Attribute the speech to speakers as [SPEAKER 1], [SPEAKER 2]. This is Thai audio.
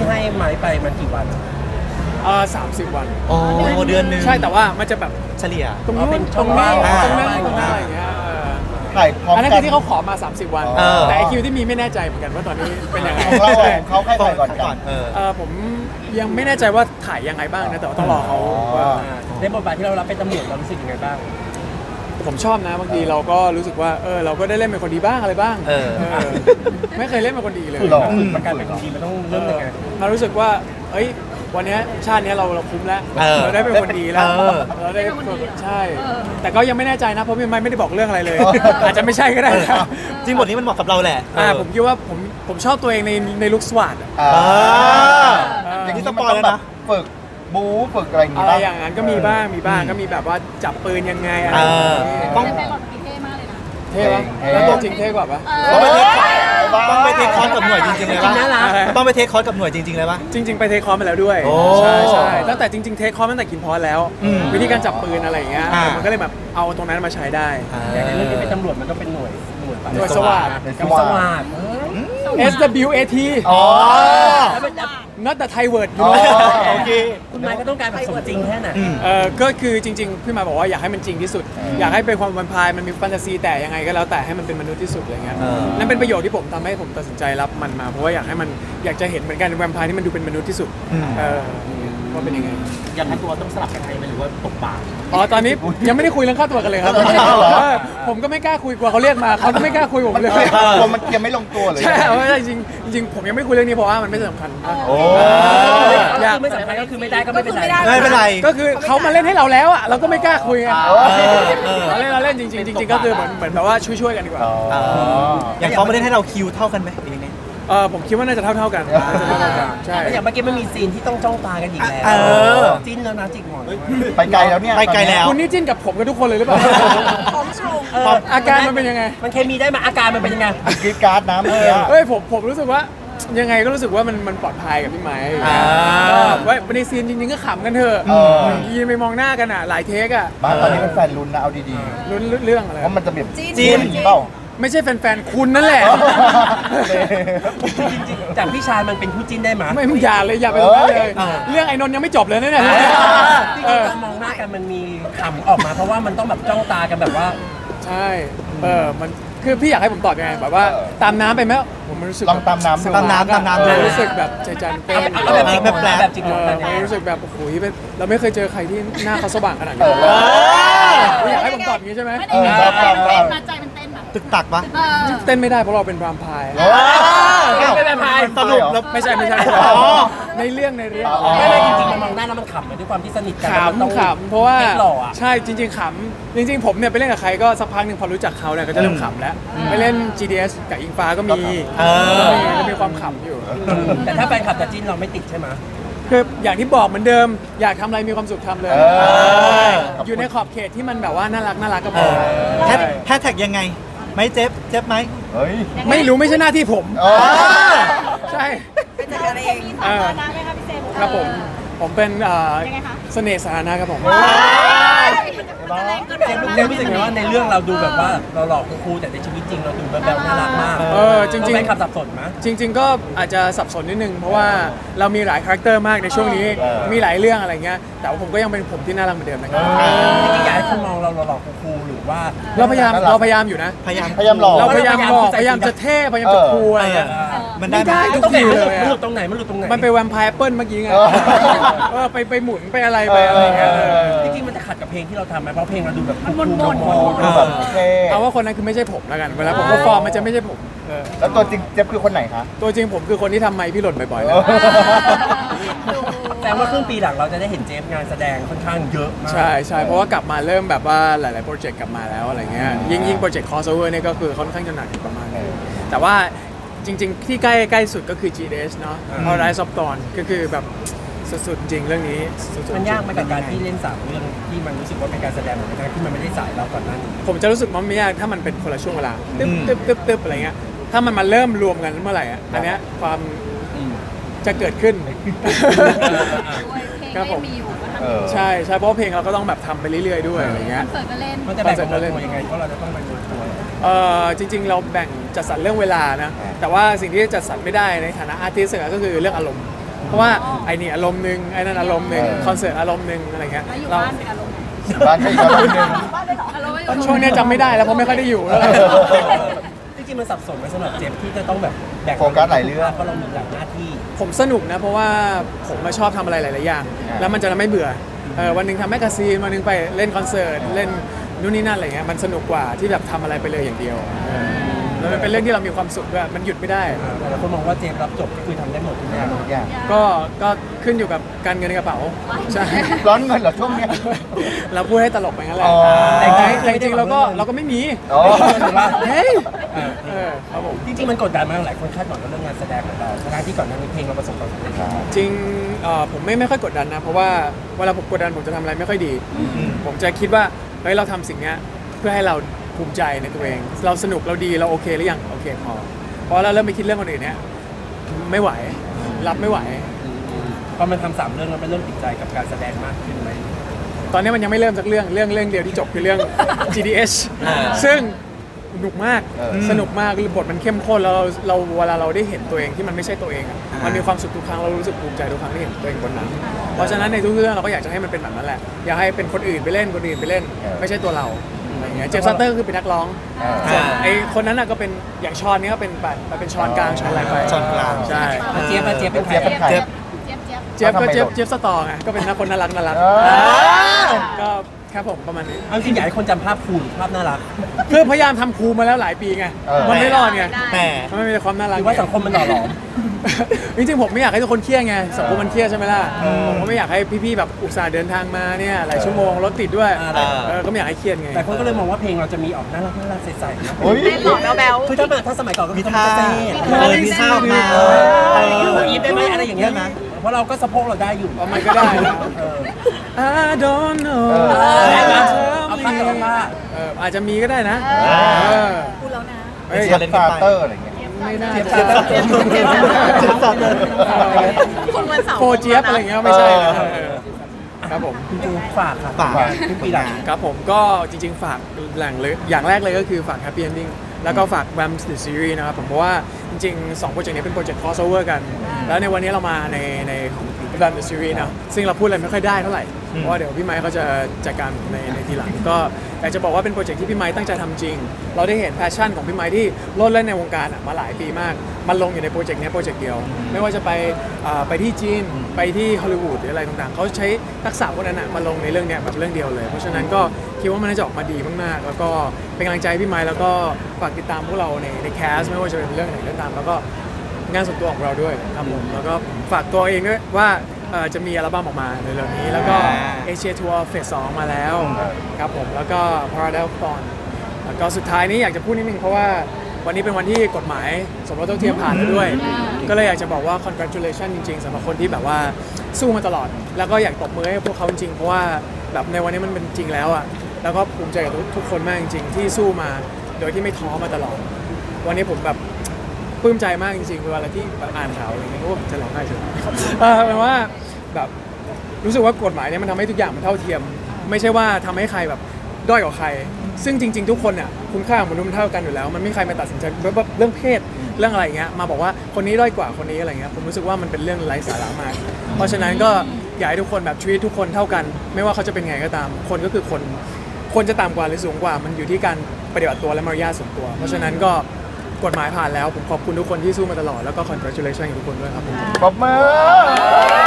[SPEAKER 1] ให้ไม้ไปมันกี่วัน
[SPEAKER 2] 30 วัน
[SPEAKER 3] อ๋อเดือนนึง
[SPEAKER 2] ใช่แต่ว่ามันจะแบบ
[SPEAKER 3] เฉลี่ย
[SPEAKER 2] ตรงนู้นตรงนี้ตรงนั้นตรงนั้นอะไรอย่างเงี้ย
[SPEAKER 4] ถ่ายพร้อม
[SPEAKER 2] อันนั้น
[SPEAKER 4] กั
[SPEAKER 2] คื
[SPEAKER 4] น
[SPEAKER 2] อที่เขาขอมา30 วัน แต่ไอคิวที่มีไม่แน่ใจเหมือนกันว่าตอนนี้เป็นยังไง
[SPEAKER 4] ของเขาใครถ่ายก่อนกัน
[SPEAKER 2] ผมยังไม่แน่ใจว่าถ่ายยังไงบ้างนะแต่ว่าต้องรอเขา
[SPEAKER 1] ในบทบาทที่เรารับเป็นตำรวจเรารู้สึกยังไงบ้าง
[SPEAKER 2] ผมชอบนะบางทีเราก็รู้สึกว่าเราก็ได้เล่นเป็นคนดีบ้างอะไรบ้างไม่เคยเล่นเป็นคนดีเลย
[SPEAKER 1] มันการเป็นคนดีมันต้องเริ่มยังไง
[SPEAKER 2] เรารู้สึกว่าวันนี้ชาตินี้เราคุ้มแล้วเราได้เป็นคนดีแล้วเราได้ใช่แต่ก็ยังไม่แน่ใจนะเพราะพี่ไม่ได้บอกเรื่องอะไรเลยอาจจะไม่ใช่ก็ได้
[SPEAKER 3] จริงบทนี้มันเหมาะกับเราแหละ
[SPEAKER 2] ผมคิดว่าผมชอบตัวเองในลุคสวัสดิ์
[SPEAKER 4] อย่างนี้สปอยแล้วนะฝึกบู๊ฝึกอะไรอย่างเงี้ย
[SPEAKER 2] อะไรอย่างนั้นก็มีบ้างก็มีแบบว่าจับปืนยังไงอะไร
[SPEAKER 5] ต้องไปก่อนเท่มากเลยนะ
[SPEAKER 2] เท่ปะแล้วตัวจริงเท่กว่าปะ
[SPEAKER 3] ต้องไปเทคคอร์สกับหน่วยจริงๆเลยปะต้องไปเทคคอร์สกับหน่วยจริงๆเลยปะ
[SPEAKER 2] จริงๆไปเทคคอร์สมาแล้วด้วยใช่ตั้งแต่จริงๆเทคคอร์สตั้งแต่กินพอสแล้ววิธีการจับปืนอะไรอย่างเงี้ยมันก็เลยแบบเอาตรงนั้นมาใช้ได้
[SPEAKER 1] ในเรื่องที่เป็นตำรวจมันก็เป็นหน่วย
[SPEAKER 2] สวัสดิ์
[SPEAKER 1] สวัสดิ์
[SPEAKER 2] SWAT not the Thai word
[SPEAKER 3] โอเค
[SPEAKER 1] คุณไม้ก็ต้องการแบบสมจริงแค่ไหน
[SPEAKER 2] ก็คือจริงๆพี่มาบอกว่าอยากให้มันจริงที่สุดอยากให้เป็นความแวมไพร์มันมีแฟนตาซีแต่ยังไงก็แล้วแต่ให้มันเป็นมนุษย์ที่สุดอะไรเงี้ยนั่นเป็นประโยชน์ที่ผมทำให้ผมตัดสินใจรับมันมาเพราะว่าอยากจะเห็นเหมือนกันแวมไพร์ที่มันดูเป็นมนุษย์ที่สุดว่าเป็นยังไง
[SPEAKER 1] อยากให้ตัวต้องสลับกันไหมหรือว่าตกปาก
[SPEAKER 2] ตอนนี้ยังไม่ได้คุยเรื่องค่าตัวกันเลยครับผมก็ไม่กล้าคุยกลัวเขาเรียกมาเขาไม่กล้าคุยผมเลย
[SPEAKER 4] มันยังไม่ลงตัวเลย
[SPEAKER 2] ใช่จริงผมยังไม่คุยเรื่องนี้เพราะว่ามันไม่สำคัญ
[SPEAKER 1] อยากไม่สำคัญก็คือไม่ได้ก็ไม่เป็นไร
[SPEAKER 3] ไม่เป็นไร
[SPEAKER 2] ก็คือเขามาเล่นให้เราแล้วอ่ะเราก็ไม่กล้าคุยไงเราเล่นจริงก็คือเหมือนแบบว่าช่วยกันดีกว่า
[SPEAKER 3] อย่างเขามาเล่นให้เราคิวเท่ากันไหม
[SPEAKER 2] ผมคิดว่าน่าจะเท่ากันใช่
[SPEAKER 1] อย่างเมื่อกี้มันมีซีนที่ต้องจ้องตากันอีกแล้วจิ้นแล้วนะจิกหมอน
[SPEAKER 4] ไปไกลแล้วเนี่ย
[SPEAKER 3] ไปไกลแล้ว
[SPEAKER 2] คุณนี่จิ้นกับผมกับทุกคนเลยหรือเปล่า
[SPEAKER 5] ของชม
[SPEAKER 2] อาการมันเป็นยังไง
[SPEAKER 1] มันเคมีได้มาอาการมันเป็นยังไง
[SPEAKER 4] กรีดการ์ดน้ำ
[SPEAKER 2] ผมรู้สึกว่ายังไงก็รู้สึกว่ามันปลอดภัยกับพี่ไม้ว่าในซีนจริงๆก็ขำกันเถอะยืนไปมองหน้ากันอ่ะหลายเทคอ่ะ
[SPEAKER 4] บ้านตอนนี้เป็นแฟนลุ้นนะเอาดี
[SPEAKER 2] ๆลุ้นเรื่องอะไร
[SPEAKER 4] เพราะมันจะแบบ
[SPEAKER 3] จีน
[SPEAKER 4] เปล่า
[SPEAKER 2] ไม่ใช่แฟนๆคุณนั่นแหละ
[SPEAKER 1] จริงๆจากพี่ชายมันเป็นคู่จิ้นได้ไหม
[SPEAKER 2] ไม่อย่าเลยอย่าไปเลยเรื่องไอ้นนท์ยังไม่จบเลยเนี่ย
[SPEAKER 1] การมองหน้ากันมันมีขำออกมาเพราะว่ามันต้องแบบจ้องตากันแบบว่า
[SPEAKER 2] ใช่มันคือพี่อยากให้ผมตอบยังไงแบบว่าตามน้ำไปไหมผมรู้สึก
[SPEAKER 4] ลองตามน้
[SPEAKER 2] ำรู้สึกแบบใจจันเต้น
[SPEAKER 1] แบบจิกหมอน
[SPEAKER 2] รู้สึกแบบโอ้โหเราไม่เคยเจอใครที่หน้าเขาสว่างขนาดนี้อยากให้ผมตอบอย่างนี้ใช่ไหม
[SPEAKER 5] ใจมันเต้นแบบ
[SPEAKER 3] ตึกตักปะ
[SPEAKER 2] เต้นไม่ได้เพราะเราเป็นแวมไพร์
[SPEAKER 1] ไม่เป็นแวมไพร์
[SPEAKER 2] สรุปไม่ใช่ในเรื่อง
[SPEAKER 1] ไม่จริงๆมันมองหน้าแล้วมันขำด้วยความที่สนิทกัน
[SPEAKER 2] ขำเพราะว่าใช่จริงๆขำจริงๆผมเนี่ยไปเล่นกับใครก็สักพักหนึ่งพอรู้จักเขาเนี่ยก็จะเริ่มขำแล้วไปเล่น GDS กับอิงฟ้าก็มีความขำอยู่
[SPEAKER 1] แต่ถ้าแฟนคลับจะจิ้นเราไม่ติดใช่ไหม
[SPEAKER 2] คืออย่างที่บอกเหมือนเดิมอยากทำอะไรมีความสุขทำเลยอยู่ในขอบเขตที่มันแบบว่าน่ารักก็พอ
[SPEAKER 3] แฮชแท็กยังไงไม่เจ็บไหม
[SPEAKER 2] ไม่รู้ไม่ใช่หน้าที่ผมใช่
[SPEAKER 5] เป็นจัดการเองสาธารณะไหมคะพี่เซม
[SPEAKER 2] ครับผมเป็นเสน่ห์สาธารณะครับผม
[SPEAKER 1] เรื่องรู้สึกไงว่าในเรื่องเราดูแบบว่าเราหลอกครูแต่ในชีวิตจริงเราดูแบบน่ารักมาก
[SPEAKER 2] จริง
[SPEAKER 1] ๆเป็นคำสับสนไหม
[SPEAKER 2] จริงๆก็อาจจะสับสนนิดนึงเพราะว่าเรามีหลายคาแรคเตอร์มากในช่วงนี้มีหลายเรื่องอะไรเงี้ยแต่ว่าผมก็ยังเป็นผมที่น่ารักเหมือนเดิมนะครับ
[SPEAKER 1] จริงๆอยากให้คุณมองเราหลอกครูหรือว่า
[SPEAKER 2] เราพยายามอยู่นะ
[SPEAKER 4] พยายามหลอก
[SPEAKER 2] เราพยายามจะเท่พยายามจะคูลอะไร
[SPEAKER 3] มัน
[SPEAKER 2] ได้ทุกทีเลย
[SPEAKER 1] มันหลุดตรงไหน
[SPEAKER 2] มันไปแวมไพร์แอปเปิลเมื่อกี้ไงไปหมุนไปอะไรไปอะไรเงี้ย
[SPEAKER 1] จริงๆมันจะขัดกับเพลงที่เราทำไหมเพราะเพลงเราดูแบบ
[SPEAKER 5] มันมน
[SPEAKER 2] เอาว่าคนนั้นคือไม่ใช่ผมแล้วกันเวลาผมก็ฟอร์มมันจะไม่ใช่ผม
[SPEAKER 4] แล้วตัวจริงเจ็บคือคนไหนคะ
[SPEAKER 2] ตัวจริงผมคือคนที่ทำไมพี่หล่นบ่อยๆ
[SPEAKER 1] แต่ว่าครึ่งปีหลังเราจะได้เห็นเจฟงานแสดงค่อนข้างเยอะมาก
[SPEAKER 2] ใช่เพราะว่ากลับมาเริ่มแบบว่าหลายๆโปรเจกต์กลับมาแล้วอะไรเงี้ยยิ่งโปรเจกต์ crossover เนี่ยก็คือค่อนข้างจะหนักประมาณนึงแต่ว่าจริงๆที่ใกล้สุดก็คือ GDS เนาะ Rise of Dawn ก็คือแบบสุดๆจริงเรื่องนี้
[SPEAKER 1] มันยากไหมกับการที่เล่น3เรื่องที่มันรู้สึกว่าเป็นการแสดงเหมือนกันที่มันไม่ได้สายเราก่อนหน้านี้
[SPEAKER 2] ผมจะรู้สึกว่าไม่ยากถ้ามันเป็นคนละช่วงเวลาตึ๊บอะไรเงี้ยถ้ามันมาเริ่มรวมกันเมื่อไหร่อันเนี้ยความจะเกิดขึ้น
[SPEAKER 5] ครับผม
[SPEAKER 2] ใช่เพราะเพลงเราก็ต้องแบบทำไปเรื่อยๆด้วยอะไรเงี้ย
[SPEAKER 1] มันจะแบ่งตัวยังไงเพราะเราจะต้องไปตัว
[SPEAKER 2] จริงๆเราแบ่งจัดสรรเรื่องเวลานะแต่ว่าสิ่งที่จัดสรรไม่ได้ในฐานะอาร์ติสต์ก็คือเรื่องอารมณ์เพราะว่าไอ้นี่อารมณ์หนึ่งไอ้นั่นอารมณ์หนึ่งคอนเสิร์ตอารมณ์หนึ่งอะไรเงี้ย
[SPEAKER 5] แล้วอยู่
[SPEAKER 2] เรา
[SPEAKER 5] บ้านเป็นอารมณ์ไหน
[SPEAKER 4] บ้านก็อีกอารมณ์หนึ่ง
[SPEAKER 5] บ้านเลยเหรออารมณ์ไม่อยู่
[SPEAKER 2] ช่วงเนี้ยจำไม่ได้แล้วเพราะไม่ค่อยได้อยู่แล้ว
[SPEAKER 1] จริงๆมันสับสนไหมสำหรับเจฟที่จะต้องแบบแบก
[SPEAKER 4] โฟกัสหลายเรื่อง
[SPEAKER 1] เพราะเรามีหลายหน้าที่
[SPEAKER 2] ผมสนุกนะเพราะว่าผมมาชอบทำอะไรหลาย ๆ อย่าง แล้วมันจะไม่เบื่อวันหนึ่งทำแมกกาซีนวันหนึ่งไปเล่นคอนเสิร์ตเล่นนู่นนี่นั่นอะไรเงี้ยมันสนุกกว่าที่แบบทำอะไรไปเลยอย่างเดียวแล้วมันเป็นเรื่องที่เรามีความสุขด้วยมันหยุดไม่ได้
[SPEAKER 1] แต่ละคนมองว่าเจฟรับจบก็คือทำได้หมดทุกอย่าง
[SPEAKER 4] ทุกอย่าง
[SPEAKER 2] ก็ขึ้นอยู่กับการเงินในกระเป๋าใช่
[SPEAKER 4] ร้อนเงินเหรอช่วงเนี้ย
[SPEAKER 2] เราพูดให้ตลกไปงั้นแหละ
[SPEAKER 4] อ๋อ
[SPEAKER 2] แต่จริงๆเราก็ไม่มี
[SPEAKER 4] อ๋อ
[SPEAKER 2] เฮ้ย
[SPEAKER 1] เออ
[SPEAKER 2] ครับผม
[SPEAKER 1] จริงๆมันกดดันมากหลายคนคาดหวังกับเรื่องงานแสดงของเราทั้งที่ก่อนหน้านี้เพลงเราประสบความสำเร็จแล้ว
[SPEAKER 2] จริงผมไม่ค่อยกดดันนะเพราะว่าเวลาผมกดดันผมจะทำอะไรไม่ค่อยดี ผมจะคิดว่าเฮ้ยเราทำสิ่งเนี้ยเพื่อให้เราภูมิใจในตัวเอง เราสนุกเราดีเราโอเคหรือยังโอเคพอเพราะเราเริ่มไปคิดเรื่องคนอื่นเนี้ยไม่ไหวรับไม่ไหว
[SPEAKER 1] พอมันทำ3 เรื่องแล้วมันเริ่มติดใจกับการแสดงมากขึ้นไหม
[SPEAKER 2] ตอนนี้มันยังไม่เริ่มสักเรื่องเดียวที่จบคือเรื่อง GDS ซึ่งสนุกมาก สนุกมากบทมันเข้มข้นแล้วเราเวลาเราได้เห็นตัวเองที่มันไม่ใช่ตัวเองอ่ะมันมีความสุขทุกครั้งเรารู้สึกภูมิใจทุกครั้งที่เห็นตัวเองบนนั้นเพราะฉะนั้นในทุกเรื่องเราก็อยากจะให้มันเป็นแบบนั้นแหละอยากให้เป็นคนอื่นไปเล่นคนอื่นไปเล่น ไม่ใช่ตัวเราอะไรอย่างเงี้ยเจฟซัตเตอร์ก็คือเป็นนักร้องส่วนไอ้คนนั้นน่ะก็เป็นอย่างชอนนี่ก็เป็นแบบเป็นชอนกลางชอนอะไรไป
[SPEAKER 3] ช้อนกลาง
[SPEAKER 2] ใช่
[SPEAKER 1] เจี๊ยบเป็นใคร
[SPEAKER 4] เจี๊ยบเป็นใคร
[SPEAKER 5] เจี๊ยบ
[SPEAKER 2] เจฟก็เจฟสตอร์ไงก็เป็นนักคนน่ารักก็ครับผมประมาณนี้
[SPEAKER 1] เอาจริงอยากให้คนจำภาพคูณภาพน่ารัก
[SPEAKER 2] คือพยายามทำครูมาแล้วหลายปีไง มันไม่รอดไง
[SPEAKER 3] แต่
[SPEAKER 2] มันไม่มีแต่ความน่ารัก
[SPEAKER 1] หรือว่าสังคมมันหล่อหลอม
[SPEAKER 2] จริงๆผมไม่อยากให้ทุกคนเครียดไงสังคมมันเครียดใช่ไหมล่ะผมก็ไม่อยากให้พี่ๆแบบอุตส่าห์เดินทางมาเนี่ยหลายชั่วโมงรถติดด้วยก็ไม่อยากให้เครียดไง
[SPEAKER 1] แต่คนก็เลยมองว่าเพลงเราจะมีออกน่ารักใสๆนะ
[SPEAKER 4] โอ้ย
[SPEAKER 5] เต้นหล่อแบ๊ว
[SPEAKER 1] คือถ้าสมัยก่อนก็มี
[SPEAKER 3] ท่า
[SPEAKER 1] เต้
[SPEAKER 3] มีท่าออกมา
[SPEAKER 1] อีฟได้ไหมอะไรอย่างเงี้ยนะเพราะเราก็สะโพกเราได้อยู่
[SPEAKER 2] มันก็ได้นะ
[SPEAKER 1] เออ
[SPEAKER 2] I don't know
[SPEAKER 1] เอาผ้ากับผ้า
[SPEAKER 2] อาจจะมีก็ได้นะ
[SPEAKER 5] ๆพูดแล้วนะ
[SPEAKER 2] เฮ้ย
[SPEAKER 4] เจี๊ยบฟาเตอร์อะไรเงี้ย
[SPEAKER 2] ไม่น่า
[SPEAKER 3] เจี๊ยบ
[SPEAKER 2] จะ
[SPEAKER 3] เจี๊ยบ
[SPEAKER 5] คุณวันเสาร์
[SPEAKER 2] โฟเจี๊ยบอะไรอย่างเงี้ยไม่ใช่นะครับผม
[SPEAKER 1] คุณจูฝากค่ะ
[SPEAKER 3] ฝาก
[SPEAKER 1] ทุกปีหลัง
[SPEAKER 2] ครับผมก็จริงๆ ฝากแหล่งเลยอย่างแรกเลยก็คือฝาก Happy Ending แล้วก็ฝาก Vamps The Series นะครับผมเพราะว่าจริงๆ2โปรเจกต์นี้เป็นโปรเจกต์ crossover กัน แล้วในวันนี้เรามาในของ Vamps The Series นะซึ่งเราพูดอะไรไม่ค่อยได้เท่าไหร่ เพราะว่าเดี๋ยวพี่ไมค์เขาจะจัดการในทีหลังก็อยากจะบอกว่าเป็นโปรเจกต์ที่พี่ไมค์ตั้งใจทำจริง เราได้เห็นแพชชั่นของพี่ไมค์ที่โลดเล่นในวงการมาหลายปีมาก มันลงอยู่ในโปรเจกต์นี้โปรเจกต์เดียว ไม่ว่าจะไปที่จีนไปที่ฮอลลีวูดหรืออะไรต่างๆเขาใช้ทักษะพวกนั้นมาลงในเรื่องเนี้ยแบบเรื่องเดียวเลย เพราะฉะนั้นก็คิดว่ามันน่าจะออกมาดีมากๆ แล้วก็เป็นกำลังใจให้พี่ไมค์แล้วก็ฝากติดตามพวกเราในแคสไม่ว่าจะเป็นเรื่องไหนก็ตามแล้วก็งานส่วนตัวของเราด้วยครับผมแล้วก็ฝากตัวเองด้วยว่าจะมีอัลบั้มออกมาในเร็วๆนี้แล้วก็เอเชียทัวร์เฟส 2มาแล้วครับผมแล้วก็ Paradise Fun แล้วก็สุดท้ายนี้อยากจะพูดนิดนึงเพราะว่าวันนี้เป็นวันที่กฎหมายสมรสเท่าเทียมผ่านแล้วด้วย ก็เลยอยากจะบอกว่า congratulation จริงๆสำหรับคนที่แบบว่าสู้มาตลอด แล้วก็อยากตบมือให้พวกเขาจริงๆเพราะว่าแบบในวันนี้มันเป็นจริงแล้วอ่ะแล้วก็ภูมิใจกับทุกคนมากจริงๆที่สู้มาโดยที่ไม่ท้อมาตลอด วันนี้ผมแบบปลื้มใจมากจริงๆเวลาที่แบบอ่านข่าวอะไรเงี้ยผมจะร้องไห้เฉยแปลว่าแบบรู้สึกว่ากฎหมายเนี่ยมันทำให้ทุกอย่างมันเท่าเทียม ไม่ใช่ว่าทำให้ใครแบบด้อยกว่าใคร ซึ่งจริงๆ ทุกคนเนี่ยคุณค่าของมนุษย์มันเท่ากันอยู่แล้ว มันไม่มีใครมาตัดสินใจแบบเรื่องเพศเรื่องอะไรเงี้ยมาบอกว่าคนนี้ด้อยกว่าคนนี้อะไรเงี้ยผมรู้สึกว่ามันเป็นเรื่องไร้สาระมาก เพราะฉะนั้นก็อยากให้ทุกคนแบบชีวิตทุกคนเท่ากัน ไม่ว่าเขาจะเป็นไงก็ตาม คนก็คือคนจะต่ำกว่าหรือสูงกว่า มันอยู่ที่การปฏิบัติตัวและมารยาทส่วนตัว เพราะฉะนั้นก็กฎหมายผ่านแล้วผมขอบคุณทุกคนที่สู้มาตลอดแล้วก็ congratulation กับทุกคนด้วยครับ
[SPEAKER 4] ปรบมือ